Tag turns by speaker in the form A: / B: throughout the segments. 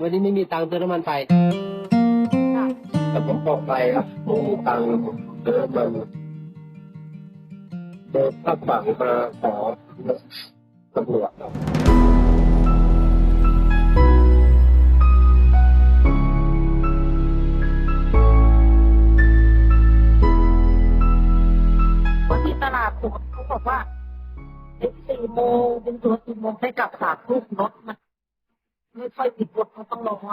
A: วันนี้ไม่มีตังค์เติมน้ำมันไปแต่ผมบอกไปครับผมมีตังค์เติมมันเดินข้ามฝั่งมาขอตำรวจครับ
B: วันที่ตลาดสดเขาบอกว่า4 โมงเป็นตัว4 โมงไปกลับ3 ทุ่มรถมันไม่ค่อยติดรถเขาต้องรอ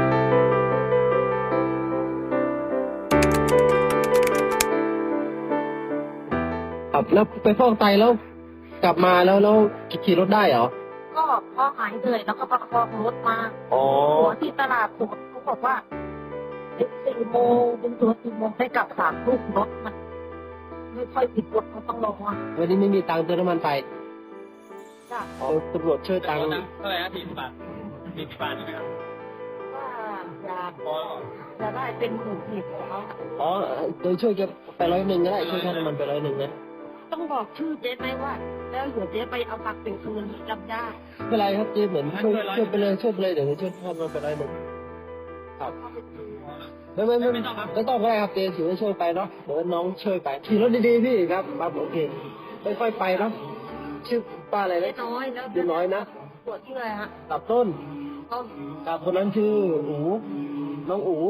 A: ครับแล้วไปฟอกไตแล้วกลับมาแล้วขี่รถได้เหรอ
B: ก็พอหายเหนื่อยแล้วก็ประคองรถมาหัวที่ตลาดสดเขาบอกว่า4 โมงเป็นตัว4 โมงไปกลับ3 ทุ่มรถมันไม่ค่อยติดรถเขาต้องรอ
A: วันนี้ไม่มีตังค์เติมน้ำมันไป
B: จ้ะ
A: ตำรวจช่วยตังค์
C: เท่าไหร่นะ40 บาท40 บาทใช่ไหมครับ
B: ว่าอยากได้เป็น10,000ของเขา
A: อ๋อโดยช่วยจะไป100ก็ได้ช่วยค่าน้ำมันไป100นะ
B: ต้องบอกชื่อเจ๊ไหมว่าแล้วเดี๋ยวเจ๊ไปเอาตังค์เป็นคืนจำได้
A: ไม่เป็นไรครับเจ๊เหมือนช่วยไปเลยเดี๋ยวช่วยค่าน้ำมันไป100ครับไม่ต้องก็ได้ครับเจ๊ถือว่าช่วยไปเนาะเดี๋ยวน้องช่วยไปขี่รถดีๆพี่ครับโอเคค่อยๆไปเนาะชื่อป้าอะไรนะ
B: น้อยแล้ว
A: ชื่อน้อยนะ
B: ปวดชื่ออะไรฮะ
A: กับต้นกับคนนั้นชื่ออูน้องอู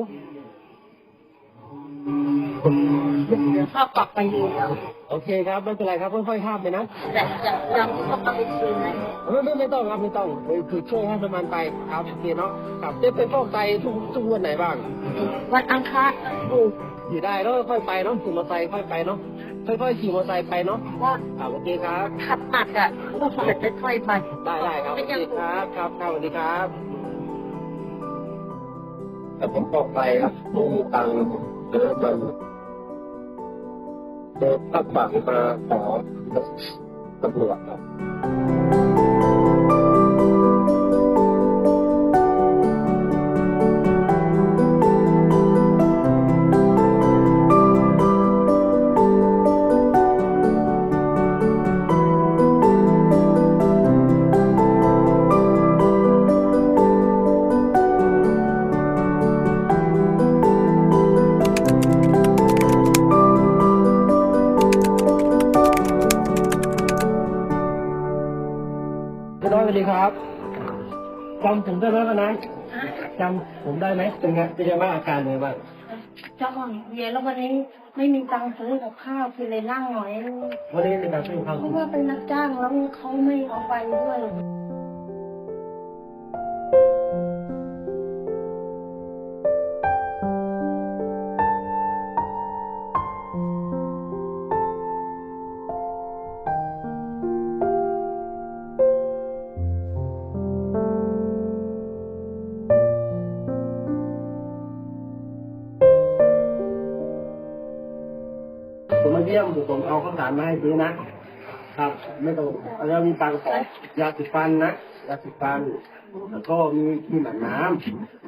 B: เดี๋ยวข้าปรับไปอยู่แล้ว
A: โอเคครับไม่เป็นไรครับค่อยๆข้ามไปนะ
B: แต่ยังต้องไปคืนไหม
A: ไม่ต้องครับไม่ต้องคือช่วยให้น้ำมันไปครับโอเคเนาะครับเจ๊ไปฟอกไตทุกวันไหนบ้าง
B: วันอังคาร
A: อยู่ได้แล้วค่อยไปเนาะขี่มอเตอร์ไซค์ค่อยไปเนาะค่อยๆขี่มอเตอร์ไซค์ไปเนาะโอเคครับ
B: ขับหนักอ่ะต้องขับค่อยๆไป
A: ได้ครับโอเคครับสวัสดีครับแต่ผมบอกไปครับผมมีตังค์เติมมันเดินข้ามฝั่งมาขอตำรวจครับสวัสดีครับจำผมได้ไหมวันนั้นจำผมได้ไหมเป็นไงบ้างอาการเป็นไงบ้าง
B: เจ้าของเย็นแล้ววันนี้ไม่มีตังค์ซื้อกับข้าวคือเลยนั่งหน่อย
A: วันนี้เป็นการซื้อข้าว
B: เพราะว่าเป็นนักจ้างแล้วเขาไม่เอาไปด้วย
A: ผมมาเยี่ยมผมเอาข้าวสารมาให้ซื้อนะครับไม่ต้องแล้วมีตังค์ขอยาสีฟันนะยาสีฟันแล้วก็มีหมันน้ำ